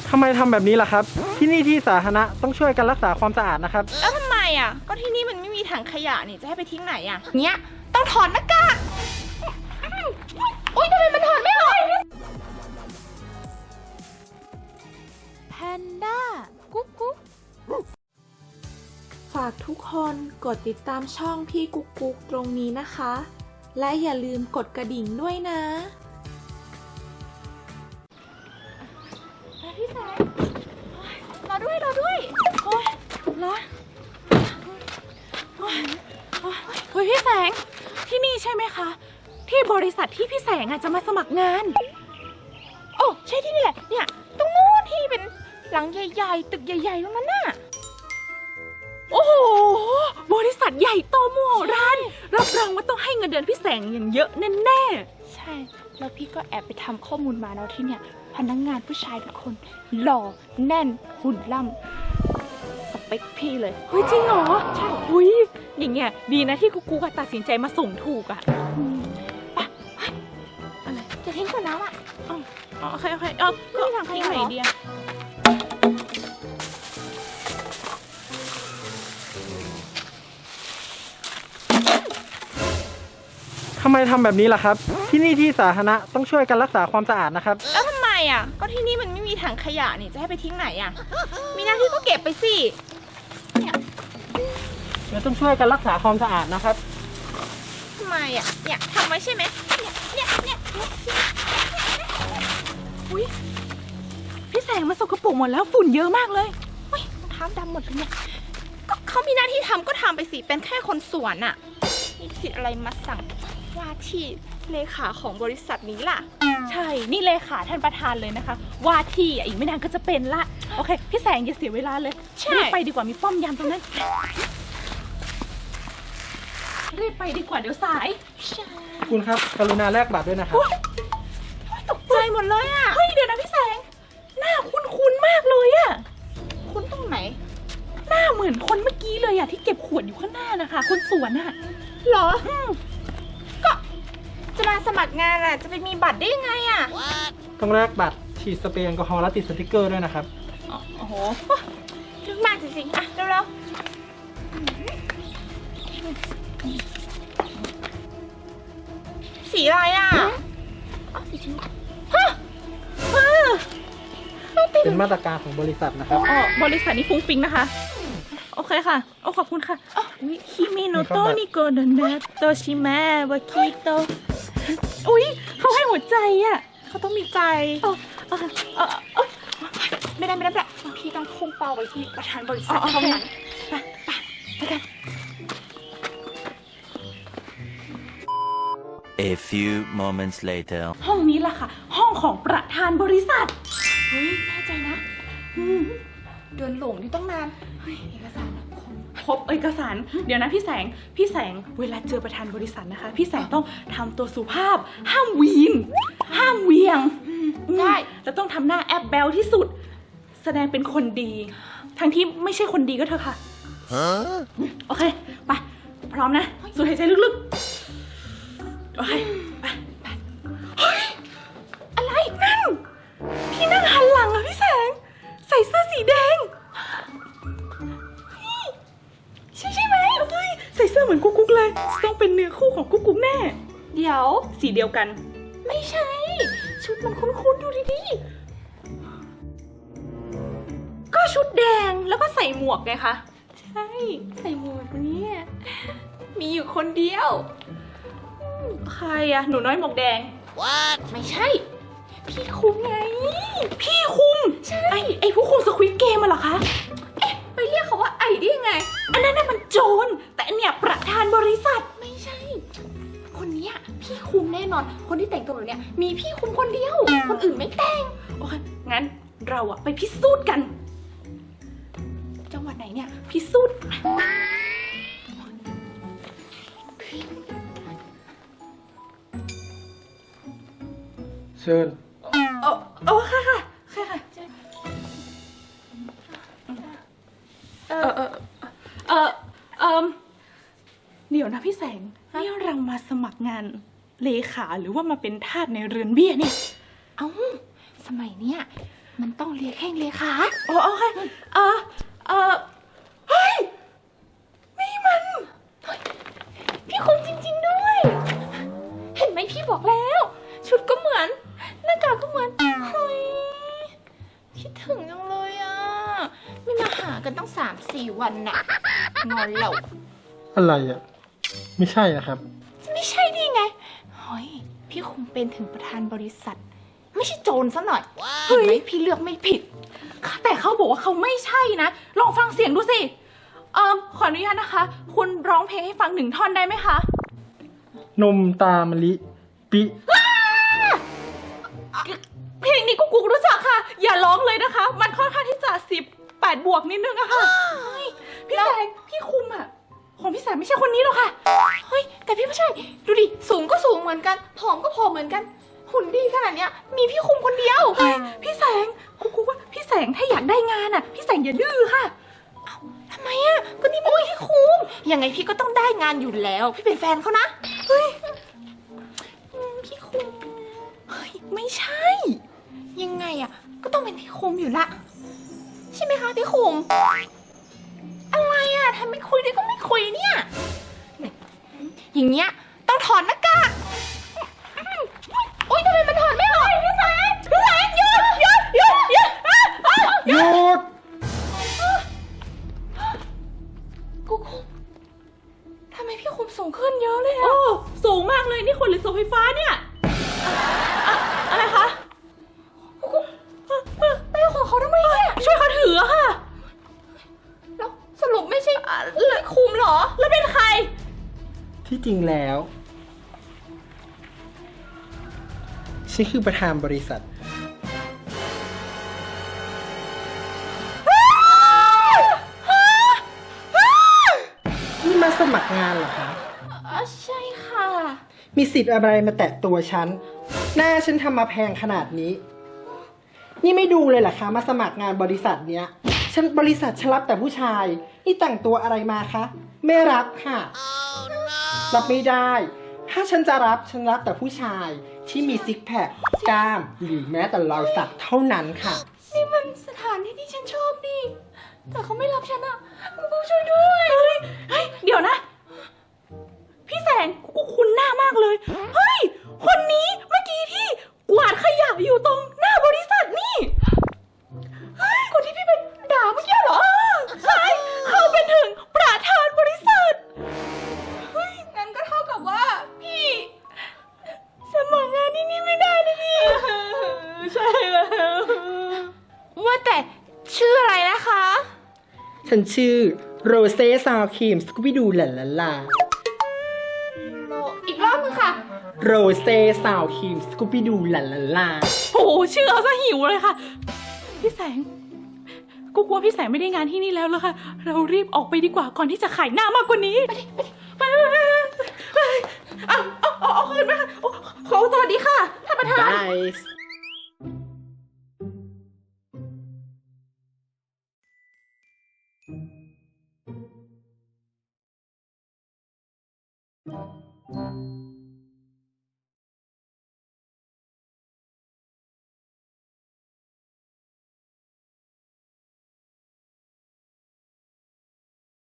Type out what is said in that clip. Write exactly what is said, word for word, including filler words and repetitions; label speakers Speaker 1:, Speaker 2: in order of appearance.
Speaker 1: ทำไมทำแบบนี้ล่ะครับที่นี่ที่สาธารณะต้องช่วยกันรักษาความสะอาดนะครับ
Speaker 2: แล้วทำไมอ่ะก็ที่นี่มันไม่มีถังขยะนี่จะให้ไปทิ้งไหนอ่ะเนี้ยต้องถอดหน้ากากอุ้ยทำไมมันถอดไม่ออก
Speaker 3: แพนด้ากุ๊กกุ๊กฝากทุกคนกดติดตามช่องพี่กุ๊กกุ๊กตรงนี้นะคะ และอย่าลืมกดกระดิ่งด้วยนะ
Speaker 2: พี่แสงรอด้วยรอด้วยโอ้ยร้อนเฮ้ยพี่แสงที่นี่ใช่ไหมคะที่บริษัทที่พี่แสงอาจจะมาสมัครงานโอ้ใช่ที่นี่แหละเนี่ยตรงนู้นที่เป็นหลังใหญ่ๆตึกใหญ่ๆตรงนั้นน่ะโอ้โหบริษัทใหญ่โตมโหฬารรับรองว่าต้องให้เงินเดือนพี่แสงอย่างเยอะแน่ๆใช่แล้วพี่ก็แอบไปทำข้อมูลมาแล้วที่เนี่ยพนักงานผู้ชายทุกคนหล่อแน่นหุ่นล่ำสเปคพี่เลยเฮ้ยจริงเหรอใช่อุ้ยอย่างเงี้ยดีนะที่กูกูตัดสินใจมาส่งถูกอ่ะปะอะไรจะทิ้งขวดน้ำอ่ะอ๋อโอเคโอเคเออก็ทางใครไหนดีอะ
Speaker 1: ทำไมทำแบบนี้ล่ะครับที่นี่ที่สาธารณะต้องช่วยกันรักษาความสะอาดนะครับ
Speaker 2: แล้วทำไมอ่ะก็ที่นี่มันไม่มีถังขยะนี่จะให้ไปทิ้งไหนอ่ะมีหน้าที่ก็เก็บไปสิเนี่ย
Speaker 1: เดี๋ยวต้องช่วยกันรักษาความสะอาดนะครับ
Speaker 2: ทำไมอ่ะเนี่ยทำไว้ใช่ไหมเนี่ยเนี่ยเนี่ยอุ้ยพี่แสงมาสกปรกหมดแล้วฝุ่นเยอะมากเลยเฮ้ยรองเท้าดำหมดเลยเนี่ยก็เขามีหน้าที่ทำก็ทำไปสิเป็นแค่คนสวนอ่ะมีสิทธิ์อะไรมาสั่งว่าที่เลขาของบริษัทนี้ล่ะใช่นี่เลขาท่านประธานเลยนะคะว่าที่อีกไม่นานก็จะเป็นละโอเคพี่แสงอย่าเสียเวลาเลยรีบไปดีกว่ามีป้อมยามตรงนั้นรีบไปดีกว่าเดี๋ยวสาย
Speaker 1: คุณครับกรุณาแลกบัตรด้วยนะครับ
Speaker 2: ตกใจหมดเลยอ่ะเฮ้ยเดี๋ยวนะพี่แสงหน้าคุ้นๆมากเลยอ่ะคุ้นตรงไหนหน้าเหมือนคนเมื่อกี้เลยอ่ะที่เก็บขวดอยู่ข้างหน้านะคะคนสวนอ่ะหรอก็จะมาสมัครงานอ่ะจะไปมีบัตรได้ยังไงอ่ะ
Speaker 1: ต้องแลกบัตรฉีดสเปรย์แอลกอฮอล์และติดสติ๊กเกอร์ด้วยนะครับ
Speaker 2: โอ้โหลึกมากจริงๆอ่ะเร็วๆสีอะไรอ่ะสีชมพูฮะ
Speaker 1: เป็นมาตรการของบริษัทนะครับ
Speaker 2: อ๋อบริษัทนี้ฟุ้งฟิ้งนะคะโอเคค่ะโอ้ขอบคุณค่ะอุ้ยคิมิโนโตะนิโกะเดนเนโตชิเมะวาคิโตะอุ้ยเขาให้หัวใจอ่ะเขาต้องมีใจเออเออเออเออไม่ได้ไม่ได้ไม่ได้พี่ต้องพุ่งเป้าไปที่ประธานบริษัทเท่านั้นไปไปไปกัน
Speaker 4: A few moments later
Speaker 2: ห้องนี้ล่ะค่ะห้องของประธานบริษัทเฮ้ยแน่ใจนะอืมเดินหลงอยู่ตั้งนานเฮ้ยเอกสารครบเอกสารเดี๋ยวนะพี่แสงพี่แสงเวลาเจอประธานบริษัทนะคะพี่แสงต้องทำตัวสุภาพห้ามวีนห้ามเวียงได้แล้วต้องทำหน้าแอบแบลที่สุดแสดงเป็นคนดีทั้งที่ไม่ใช่คนดีก็เถอะค่ะโอเคไปพร้อมนะสูดหายใจลึกๆโอเคไปไปเฮ้ยอะไรนั่นพี่นั่งหันหลังอะพี่แสงใส่เสื้อสีแดงใช่ใช่ไหมเฮ้ยใส่เสื้อเหมือนกุ๊กกุ๊กเลยต้องเป็นเนื้อคู่ของกุ๊กกุ๊กแน่เดี๋ยวสีเดียวกันไม่ใช่ชุดมันคุ้นๆดูดีๆก็ชุดแดงแล้วก็ใส่หมวกไงคะใช่ใส่หมวกนี้มีอยู่คนเดียวใครอะหนูน้อยหมวกแดง What ไม่ใช่พี่คุมไงพี่คุมใช่ไอไอผู้คุมสควิดเกมอะเหรอคะเอ๊ะไปเรียกเขาว่าไอได้ยังไงอันนั้นน่ะมันโจรแต่อันเนี้ยประธานบริษัทไม่ใช่คนนี้พี่คุมแน่นอนคนที่แต่งตัวแบบเนี้ยมีพี่คุมคนเดียวคนอื่นไม่แต่งโอเคงั้นเราอะไปพิสูจน์กันจังหวัดไหนเนี่ยพิสูจน์
Speaker 1: เชิญ
Speaker 2: โอ้โอ้ค่ะค่ะค่ะค่ะเออเออเออเออเดี๋ยวนะพี่แสงนี่เรามาสมัครงานเลขาหรือว่ามาเป็นทาสในเรือนเบี้ยเนี่ยเอ้าสมัยเนี้ยมันต้องเลียแข้งเลียขาโอ้โอเคเออเออเฮ้ยนี่มันเฮ้ยพี่คุมจริงๆด้วย เห็นไหมพี่บอกแล้ว ชุดก็เหมือนหน้ากากก็เหมือนเฮ้ยคิดถึงจังเลยอ่ะไม่มาหากันตั้งสามสี่วันน่ะงอนเรา
Speaker 1: อะไรอ่ะ ไม่ใช่นะครับ
Speaker 2: ไม่ใช่ได้ไงเฮ้ยพี่คงเป็นถึงประธานบริษัท ไม่ใช่โจรซะหน่อยเห็นไหมพี่เลือกไม่ผิด แต่เขาบอกว่าเขาไม่ใช่นะ ลองฟังเสียงดูสิ เอ่อขออนุญาตนะคะ คุณร้องเพลงให้ฟังหนึ่งท่อนได้ไหมคะ
Speaker 1: นมตามะลิ ปิ
Speaker 2: เพลงนี้กูกูรู้จักค่ะ อย่าร้องเลยนะคะ มันค่อนข้างที่จะสิบแปดบวกนิดนึงอะค่ะเฮ้ยพี่แสงพี่คุมอะของพี่แสงไม่ใช่คนนี้หรอกค่ะ เฮ้ยแต่พี่ไม่ใช่ ดูดิ สูงก็สูงเหมือนกัน ผอมก็ผอมเหมือนกัน หุ่นดีขนาดเนี้ย มีพี่คุมคนเดียว เฮ้ยพี่แสงกูกูว่าพี่แสงถ้าอยากได้งานอะพี่แสงอย่าดื้อค่ะ เอ้าทำไมอะก็นี่มันพี่คุม ยังไงพี่ก็ต้องได้งานอยู่แล้ว พี่เป็นแฟนเขานะ เฮ้ยอืมพี่คุม เฮ้ยไม่ใช่ ยังไงอะก็ต้องเป็นพี่คุมอยู่ละ ใช่ไหมคะพี่คุม อะไรอะทำไมคุยด้วยก็ไม่คุยเนี่ยอย่างเงี้ยต้องถอนหน้ากากอุ้ยทำไมมันถอนไม่ออกพี่แสงพี่แสงหยุดหยุดหยุดหยุดอ่ะอ่ะ
Speaker 1: หยุด
Speaker 2: กูคุมทำไมพี่คุมสูงขึ้นเยอะเลยอะโอ้สูงมากเลยนี่คนหรือเสาไฟฟ้าเนี่ยอะอะไรคะกูคุมไปเอาของเขาทำไมเนี่ยช่วยเขาถืออะค่ะแล้วสรุปไม่ใช่เลยคุมเหรอแล้วเป็นใคร
Speaker 1: ที่จริงแล้วฉันคือประธานบริษัท นี่มาสมัครงานเหรอคะ
Speaker 2: อ๋อใช่ค่ะ
Speaker 1: มีสิทธิ์อะไรมาแตะตัวฉัน หน้าฉันทำมาแพงขนาดนี้ นี่ไม่ดูเลยเหรอคะ มาสมัครงานบริษัทเนี้ย ฉันบริษัทฉันรับแต่ผู้ชาย นี่แต่งตัวอะไรมาคะ ไม่รับค่ะ รับไม่ได้ ถ้าฉันจะรับฉันรับแต่ผู้ชายที่มีซิกแพคกล้าม หรือแม้แต่รอยสักเท่านั้นค่ะ
Speaker 2: นี่มันสถานที่ที่ฉันชอบดิแต่เขาไม่รับฉันอะกูช่วยด้วยเฮ้ยเฮ้ยเดี๋ยวนะ พี่แสงกูคุ้นหน้ามากเลย เฮ้ย คนนี้เมื่อกี้ที่กวาดขยะอยู่ตรงหน้าบริษัทนี่ เฮ้ย คนที่พี่ไปด่าเมื่อกี้เหรอ ใช่ เขาเป็นถึงประธานบริษัท เฮ้ย งั้นก็เท่ากับว่าพี่สมัครงานที่นี่ไม่ได้นะพี่ ใช่แล้ว ว่าแต่ชื่ออะไรนะคะ
Speaker 1: ฉันชื่อโรเซ่ซาวครีมสกูบิดูหลาลาลา
Speaker 2: โลอีกรอบนึงค่ะ
Speaker 1: โรเซ่ซาวครีมสกูบิดูหลาลาลา
Speaker 2: โอ้โหชื่อเอาซะหิวเลยค่ะ พี่แสง กูกลัวพี่แสงไม่ได้งานที่นี่แล้วเลยค่ะ เรารีบออกไปดีกว่าก่อนที่จะขายหน้ามากกว่านี้ ไปดิไปดิไปไปไปไปเอาเอาเอาเอาคืนไหมคะโอ้ขอสวัสดีค่ะท่านประธาน
Speaker 1: ได้